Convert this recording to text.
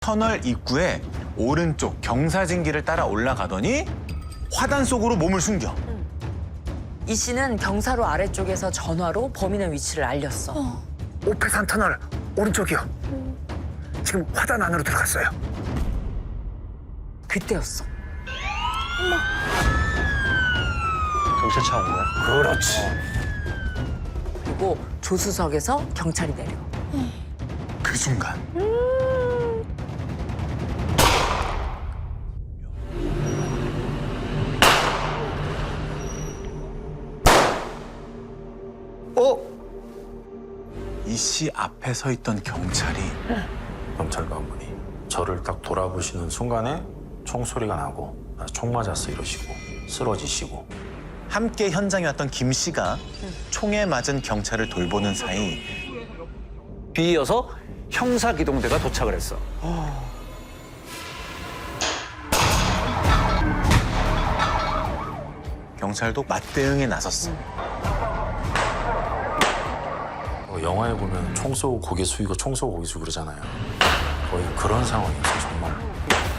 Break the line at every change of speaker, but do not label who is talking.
터널 입구에 오른쪽 경사진길을 따라 올라가더니 화단 속으로 몸을 숨겨.
이 씨는 경사로 아래쪽에서 전화로 범인의 위치를 알렸어.
오페산 터널 오른쪽이요. 지금 화단 안으로 들어갔어요.
그때였어.
경찰차 온 거야?
그렇지.
그리고 조수석에서 경찰이 내려.
그 순간 이 씨 앞에 서 있던 경찰이
경찰 관분이 저를 딱 돌아보시는 순간에 총소리가 나고 총 맞았어 이러시고 쓰러지시고
함께 현장에 왔던 김 씨가 총에 맞은 경찰을 돌보는 사이
뒤이어서 형사기동대가 도착을 했어.
경찰도 맞대응에 나섰어.
영화에 보면 총 쏘고 고개 숙이고 총 쏘고 고개 숙이고 그러잖아요. 거의 그런 상황이었어요 정말.